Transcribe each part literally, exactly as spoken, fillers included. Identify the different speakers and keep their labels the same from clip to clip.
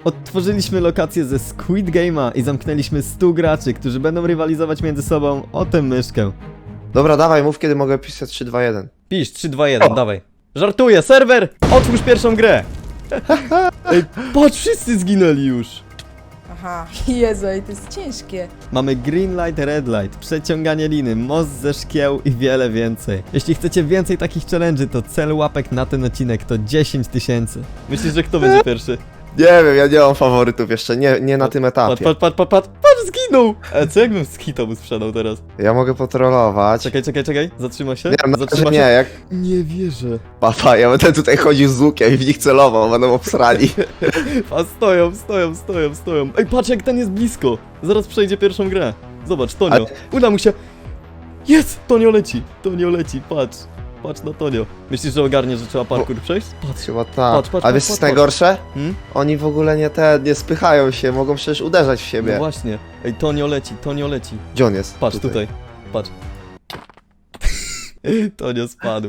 Speaker 1: Odtworzyliśmy lokację ze Squid Game'a i zamknęliśmy stu graczy, którzy będą rywalizować między sobą o tę myszkę.
Speaker 2: Dobra, dawaj, mów kiedy mogę pisać trzy, dwa, jeden.
Speaker 1: Pisz, trzy, dwa, jeden, dawaj. Żartuję, serwer! Otwórz pierwszą grę! Ej, patrz, wszyscy zginęli już!
Speaker 3: Aha, Jezu, ej, to jest ciężkie.
Speaker 1: Mamy green light, red light, przeciąganie liny, most ze szkieł i wiele więcej. Jeśli chcecie więcej takich challenge'y, to cel łapek na ten odcinek to dziesięć tysięcy. Myślisz, że kto będzie pierwszy?
Speaker 2: Nie wiem, ja nie mam faworytów jeszcze, nie, nie na tym
Speaker 1: Patrz,
Speaker 2: etapie.
Speaker 1: patrz, patrz, patrz, patrz, patrz, zginął! E, co jakbym z hita mu sprzedał teraz?
Speaker 2: Ja mogę potrolować.
Speaker 1: Czekaj, czekaj, czekaj, zatrzyma się?
Speaker 2: Nie, no, że
Speaker 1: Zatrzyma
Speaker 2: nie,
Speaker 1: się?
Speaker 2: jak...
Speaker 1: Nie wierzę.
Speaker 2: Papa, ja będę tutaj chodził z łukiem i w nich celował, będą obsrani.
Speaker 1: A stoją, stoją, stoją, stoją. Ej, patrz jak ten jest blisko. Zaraz przejdzie pierwszą grę. Zobacz, Tonio.
Speaker 2: Ale-
Speaker 1: Uda mu się. Jest! Tonio leci, Tonio leci, patrz. Patrz na Tonio. Myślisz, że ogarnie, że trzeba parkour przejść? Patrz.
Speaker 2: Chyba tak.
Speaker 1: Patrz, patrz,
Speaker 2: A wiesz
Speaker 1: patrz,
Speaker 2: co jest
Speaker 1: patrz.
Speaker 2: najgorsze?
Speaker 1: Hmm?
Speaker 2: Oni w ogóle nie te, nie spychają się, mogą przecież uderzać w
Speaker 1: No
Speaker 2: siebie.
Speaker 1: właśnie. Ej, Tonio leci, Tonio leci.
Speaker 2: Gdzie on jest?
Speaker 1: Patrz tutaj, patrz. Tonio spadł.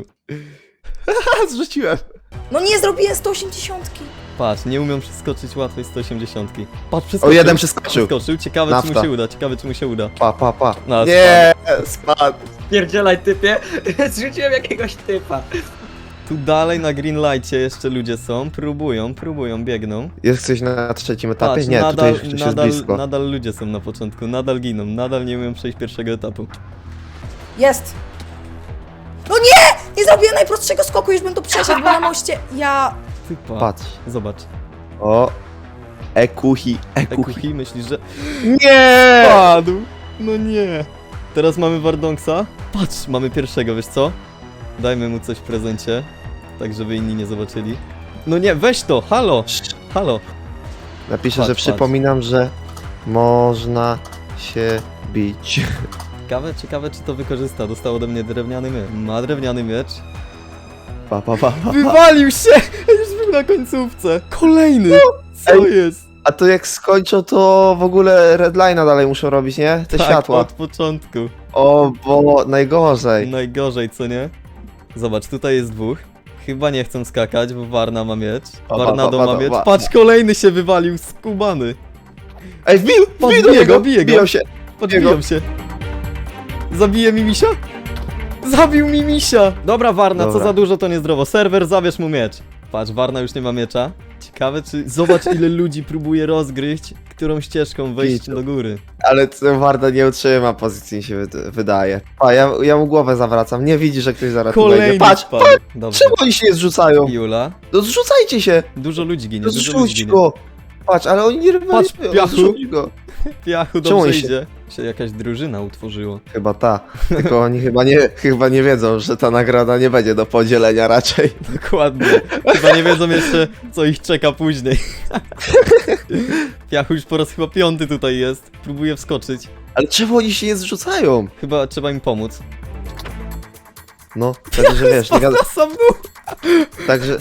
Speaker 2: Zrzuciłem.
Speaker 3: No nie zrobiłem sto osiemdziesiąt.
Speaker 1: Patrz, nie umią przeskoczyć łatwej sto osiemdziesiąt. Patrz,
Speaker 2: O,
Speaker 1: przeskoczył.
Speaker 2: jeden przeskoczył.
Speaker 1: Przeskoczył, ciekawe czy mu
Speaker 2: Nafta.
Speaker 1: się uda, ciekawe czy mu się uda.
Speaker 2: Pa, pa, pa.
Speaker 1: No,
Speaker 2: Nie, spadł.
Speaker 4: Pierdzielaj typie, zrzuciłem jakiegoś typa.
Speaker 1: Tu dalej na green lightcie jeszcze ludzie są, próbują, próbują, biegną.
Speaker 2: Jest ktoś na trzecim etapie?
Speaker 1: Patrz,
Speaker 2: nie,
Speaker 1: nadal,
Speaker 2: tutaj już ktoś jest
Speaker 1: nadal,
Speaker 2: blisko.
Speaker 1: nadal ludzie są na początku, nadal giną, nadal nie umieją przejść pierwszego etapu.
Speaker 3: Jest! No nie! Nie zrobiłem najprostszego skoku, już bym to przeszedł, bo na moście ja...
Speaker 1: Ty pa.
Speaker 2: Patrz.
Speaker 1: Zobacz.
Speaker 2: O. Ekuchi, ekuchi.
Speaker 1: Ekuchi, myślisz, że...
Speaker 2: Nie!
Speaker 1: Padł! No nie! Teraz mamy Wardonksa. Patrz, mamy pierwszego, wiesz co? Dajmy mu coś w prezencie, tak żeby inni nie zobaczyli. No nie, weź to, halo! Halo!
Speaker 2: Napiszę,
Speaker 1: Patrz,
Speaker 2: że
Speaker 1: patrz.
Speaker 2: przypominam, że można się bić.
Speaker 1: Ciekawe, ciekawe czy to wykorzysta. Dostał ode mnie drewniany miecz. Ma drewniany miecz.
Speaker 2: Pa, pa, pa, pa.
Speaker 1: Wywalił się! Już był na końcówce. Kolejny! Co
Speaker 2: Ej.
Speaker 1: jest?
Speaker 2: A to jak skończą, to w ogóle redline'a dalej muszą robić, nie? Te
Speaker 1: tak,
Speaker 2: światła.
Speaker 1: od początku.
Speaker 2: O, bo najgorzej.
Speaker 1: Najgorzej, co nie? Zobacz, tutaj jest dwóch. Chyba nie chcą skakać, bo Warna ma miecz.
Speaker 2: Pa, pa,
Speaker 1: Warnado
Speaker 2: pa,
Speaker 1: ma
Speaker 2: pa,
Speaker 1: miecz.
Speaker 2: pa.
Speaker 1: Patrz, kolejny się wywalił, skubany.
Speaker 2: Ej, wbił!
Speaker 1: Patrz,
Speaker 2: Wbił do
Speaker 1: bije
Speaker 2: niego!
Speaker 1: go, bije go.
Speaker 2: Biją się!
Speaker 1: Podbiją się. Zabije mi misia? Zabił mi misia! Dobra, Warna, co
Speaker 2: Dobra.
Speaker 1: za dużo to niezdrowo. Serwer, zabierz mu miecz. Patrz, Warna już nie ma miecza. Ciekawe, czy... Zobacz, ile ludzi próbuje rozgryźć, którą ścieżką wejść
Speaker 2: Pitu.
Speaker 1: do góry.
Speaker 2: Ale ten Warda nie utrzyma pozycji, mi się wyd- wydaje. A ja, ja mu głowę zawracam, nie widzi, że ktoś zaraz tu
Speaker 1: Kolejny
Speaker 2: wejdzie. Patrz,
Speaker 1: spadł. Dobrze.
Speaker 2: czemu oni się nie zrzucają?
Speaker 1: Jula.
Speaker 2: No zrzucajcie się!
Speaker 1: Dużo ludzi ginie,
Speaker 2: No
Speaker 1: dużo ludzi
Speaker 2: zrzuć
Speaker 1: ginie.
Speaker 2: go! Patrz, ale oni nie rywalizują,
Speaker 1: Piachu.
Speaker 2: no zrzuć go!
Speaker 1: Piachu,
Speaker 2: Czemu
Speaker 1: dobrze
Speaker 2: oni się-
Speaker 1: idzie. Się jakaś drużyna utworzyło.
Speaker 2: Chyba ta, tylko oni chyba nie, chyba nie wiedzą, że ta nagroda nie będzie do podzielenia raczej.
Speaker 1: Dokładnie. Chyba nie wiedzą jeszcze, co ich czeka później. Piachu już po raz chyba piąty tutaj jest. Próbuje wskoczyć.
Speaker 2: Ale czemu oni się nie zrzucają?
Speaker 1: Chyba trzeba im pomóc.
Speaker 2: No, także wiesz, nie gada,
Speaker 1: Na sam dół.
Speaker 2: także...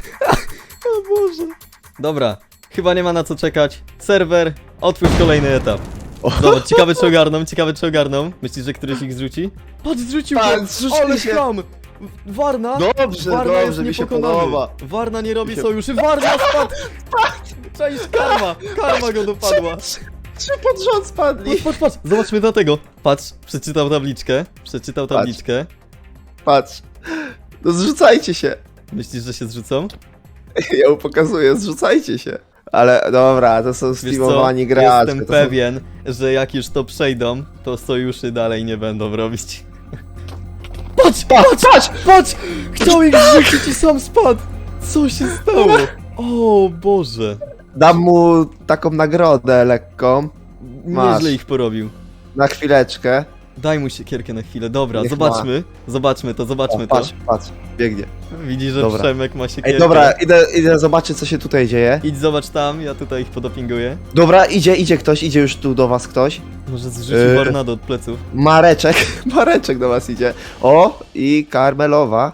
Speaker 1: O Boże. Dobra, chyba nie ma na co czekać. Serwer, otwórz kolejny etap. Dobra, ciekawe czy ogarną, ciekawe czy ogarną. Myślisz, że któryś ich zrzuci? Patrz, zrzucił
Speaker 2: Patrz,
Speaker 1: go!
Speaker 2: zrzucili
Speaker 1: Ale
Speaker 2: się.
Speaker 1: chlam! Warna?
Speaker 2: Dobrze,
Speaker 1: Warna jest
Speaker 2: dobrze, mi się
Speaker 1: niepokonany.
Speaker 2: podoba.
Speaker 1: Warna nie robi
Speaker 2: Mi się-
Speaker 1: sojuszy, Warna spadł! Cześć, karma! Karma go dopadła.
Speaker 2: Trzy pod rząd spadli!
Speaker 1: Patrz, patrz, patrz, zobaczmy na tego. Patrz, przeczytał tabliczkę, przeczytał
Speaker 2: Patrz.
Speaker 1: tabliczkę.
Speaker 2: Patrz. No zrzucajcie się.
Speaker 1: Myślisz, że się zrzucą?
Speaker 2: Ja mu pokazuję, zrzucajcie się. Ale dobra, to są
Speaker 1: Wiesz co,
Speaker 2: steamowani gracze.
Speaker 1: jestem
Speaker 2: to są-
Speaker 1: pewien, że jak już to przejdą, to sojuszy dalej nie będą robić. Patrz, patrz, patrz, patrz! Chciał ich rzucić i sam spadł! Co się stało? O Boże.
Speaker 2: Dam mu taką nagrodę lekką, Masz.
Speaker 1: Nieźle ich porobił.
Speaker 2: na chwileczkę.
Speaker 1: Daj mu siekierkę na chwilę, dobra,
Speaker 2: Niech
Speaker 1: zobaczmy. Zobaczmy to,
Speaker 2: O,
Speaker 1: zobaczmy to.
Speaker 2: patrz, patrz, biegnie.
Speaker 1: Widzisz, że
Speaker 2: Dobra.
Speaker 1: Przemek ma siekierkę.
Speaker 2: Ej, dobra, idę, idę zobaczyć, co się tutaj dzieje.
Speaker 1: Idź zobacz tam, ja tutaj ich podopinguję.
Speaker 2: Dobra, idzie, idzie ktoś, idzie już tu do was ktoś.
Speaker 1: Może zrzucił
Speaker 2: Yy.
Speaker 1: Warnado od pleców.
Speaker 2: Mareczek, Mareczek do was idzie. O, i Karmelowa.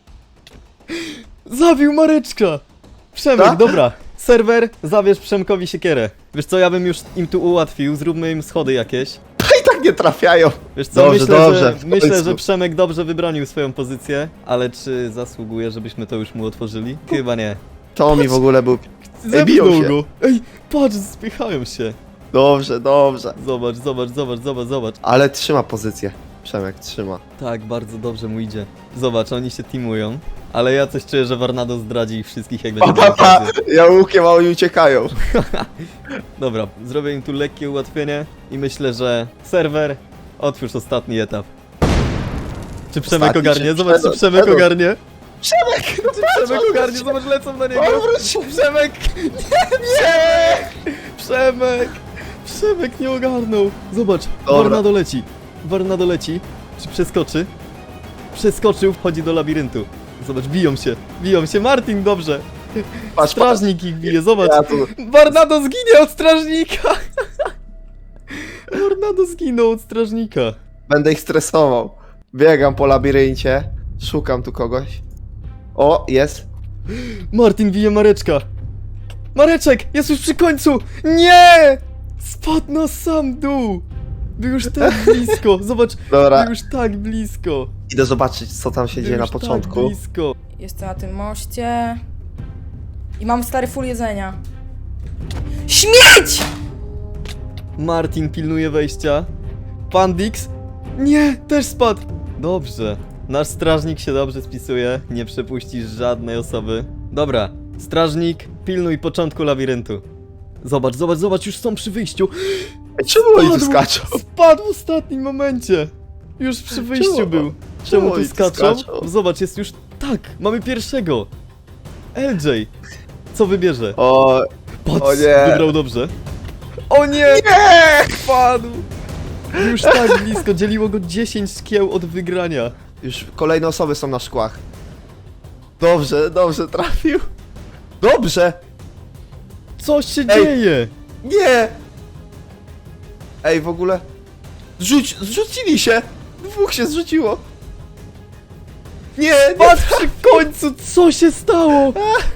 Speaker 1: Zabił Mareczka! Przemek,
Speaker 2: Tak?
Speaker 1: dobra. Serwer, zabierz Przemkowi siekierę. Wiesz co, ja bym już im tu ułatwił, zróbmy im schody jakieś.
Speaker 2: I tak nie trafiają.
Speaker 1: Wiesz co,
Speaker 2: Dobrze,
Speaker 1: myślę,
Speaker 2: dobrze,
Speaker 1: że,
Speaker 2: w
Speaker 1: myślę,
Speaker 2: końcu.
Speaker 1: że Przemek dobrze wybronił swoją pozycję, ale czy zasługuje, żebyśmy to już mu otworzyli? Chyba nie.
Speaker 2: To mi w ogóle był... biją
Speaker 1: Zepnął
Speaker 2: się.
Speaker 1: go. Ej, patrz, spychają się.
Speaker 2: Dobrze, dobrze.
Speaker 1: Zobacz, zobacz, zobacz, zobacz, zobacz.
Speaker 2: Ale trzyma pozycję. Przemek trzyma.
Speaker 1: Tak, bardzo dobrze mu idzie. Zobacz, oni się teamują. Ale ja coś czuję, że Warnado zdradzi ich wszystkich, jak będzie
Speaker 2: Pa, pa, pa.
Speaker 1: miał
Speaker 2: Ja łukiem, a oni uciekają.
Speaker 1: Dobra, zrobię im tu lekkie ułatwienie i myślę, że serwer, otwórz ostatni etap. Czy Przemek
Speaker 2: Ostatni,
Speaker 1: ogarnie?
Speaker 2: czy
Speaker 1: Zobacz, czy
Speaker 2: Przemek-
Speaker 1: Przemek
Speaker 2: Przemek?
Speaker 1: ogarnie.
Speaker 2: Przemek!
Speaker 1: Czy Przemek ogarnie? Zobacz, lecą na niego.
Speaker 2: Odwróć się.
Speaker 1: Przemek! Nie! Przemek! Przemek nie ogarnął. Zobacz,
Speaker 2: Dobra.
Speaker 1: Warnado leci. Warnado leci. Czy przeskoczy? Przeskoczył, wchodzi do labiryntu. Zobacz, biją się. Biją się. Martin, dobrze.
Speaker 2: Patrz,
Speaker 1: Strażnik ich bije, zobacz.
Speaker 2: Ja tu...
Speaker 1: Warnado zginie od strażnika! Warnado zginął od strażnika.
Speaker 2: Będę ich stresował. Biegam po labiryncie. Szukam tu kogoś. O, jest.
Speaker 1: Martin bije Mareczka. Mareczek, jest już przy końcu! Nie! Spadł na sam dół. Był już tak blisko. Zobacz,
Speaker 2: Dobra,
Speaker 1: był już tak blisko.
Speaker 2: idę zobaczyć, co tam się
Speaker 1: Był
Speaker 2: dzieje na
Speaker 1: już
Speaker 2: początku.
Speaker 1: Tak blisko.
Speaker 3: Jestem na tym moście. I mam stary full jedzenia. Śmieć!
Speaker 1: Martin pilnuje wejścia. Pandix? Nie, też spadł. Dobrze. Nasz strażnik się dobrze spisuje. Nie przepuścisz żadnej osoby. Dobra, strażnik, pilnuj początku labiryntu. Zobacz, zobacz, zobacz, już są przy wyjściu.
Speaker 2: Ej, czemu oni tu
Speaker 1: Spadł.
Speaker 2: skaczą?
Speaker 1: Spadł w ostatnim momencie. Już przy wyjściu
Speaker 2: Czemu?
Speaker 1: był.
Speaker 2: Czemu
Speaker 1: Czemu tu
Speaker 2: oni tu
Speaker 1: skaczą?
Speaker 2: skaczą?
Speaker 1: Zobacz, jest już... Tak, mamy pierwszego. L J. Co wybierze?
Speaker 2: O,
Speaker 1: Patrz,
Speaker 2: o nie.
Speaker 1: wybrał dobrze. O nie! Nie! Spadł! Już tak blisko, dzieliło go dziesięć szkieł od wygrania.
Speaker 2: już kolejne osoby są na szkłach. Dobrze, dobrze, trafił. Dobrze!
Speaker 1: Co się
Speaker 2: Ej.
Speaker 1: dzieje?
Speaker 2: Nie! Ej, w ogóle... Zrzuć, zrzucili się! Dwóch się zrzuciło! Nie, nie!
Speaker 1: Patrz przy końcu, co się stało?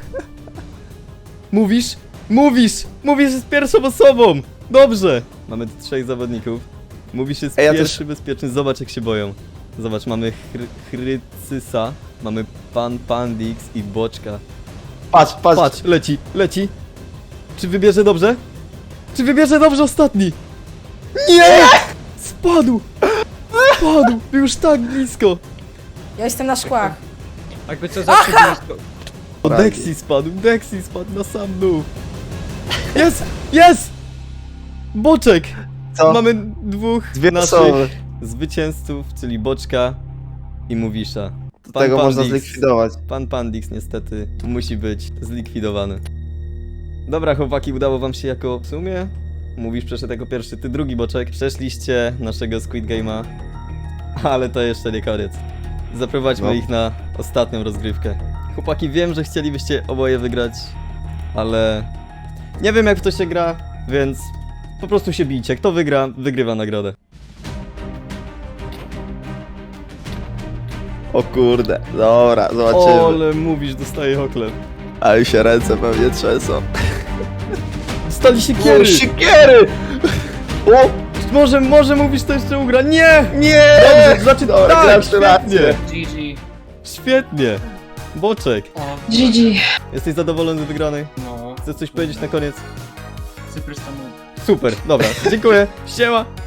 Speaker 1: Mówisz? Mówisz! Mówisz z pierwszą osobą! Dobrze! Mamy tu trzech zawodników. Mówisz jest
Speaker 2: Ej, ja
Speaker 1: pierwszy
Speaker 2: też-
Speaker 1: bezpieczny, zobacz jak się boją. Zobacz, mamy chry Chrycysa, mamy Pan Pandix i Boczka.
Speaker 2: Patrz, patrz!
Speaker 1: Patrz, leci, leci. Czy wybierze dobrze? Czy wybierze dobrze ostatni? Nie! Spadł! Spadł! Był już tak blisko!
Speaker 3: Ja jestem na szkłach.
Speaker 4: Jakby co zawsze blisko.
Speaker 1: O,
Speaker 2: Prawie.
Speaker 1: Dexy spadł, Dexy spadł na sam dół. Jest! Jest! Boczek!
Speaker 2: Co?
Speaker 1: Mamy dwóch
Speaker 2: Dwie
Speaker 1: naszych
Speaker 2: osoby.
Speaker 1: zwycięzców, czyli Boczka i Mówisza. Pan
Speaker 2: Tego można
Speaker 1: Pandix-
Speaker 2: zlikwidować.
Speaker 1: Pan Pandix niestety musi być zlikwidowany. Dobra chłopaki, udało wam się jako w sumie? Mówisz przeszedł jako pierwszy, ty drugi Boczek. Przeszliście naszego Squid Game'a, ale to jeszcze nie koniec. Zaprowadźmy
Speaker 2: No.
Speaker 1: ich na ostatnią rozgrywkę. Chłopaki, wiem, że chcielibyście oboje wygrać, ale nie wiem jak w to się gra, więc po prostu się bijcie. Kto wygra, wygrywa nagrodę.
Speaker 2: O kurde, dobra, zobaczymy.
Speaker 1: Ale mówisz, dostaje hokle.
Speaker 2: Ale się ręce pewnie trzęsą.
Speaker 1: Dostali siekiery!
Speaker 2: O, siekiery! O!
Speaker 1: Może, może mówisz, to jeszcze ugra. Nie!
Speaker 2: Nie!
Speaker 1: Dobrze, znaczy
Speaker 2: Dobra,
Speaker 1: tak,
Speaker 2: gratulacje.
Speaker 1: świetnie!
Speaker 4: G G.
Speaker 1: Świetnie! Boczek,
Speaker 4: O,
Speaker 3: G G.
Speaker 1: jesteś zadowolony z wygranej?
Speaker 4: no.
Speaker 1: Chcesz coś powiedzieć na koniec?
Speaker 4: Cyprystanów.
Speaker 1: Super, dobra, dziękuję, siema!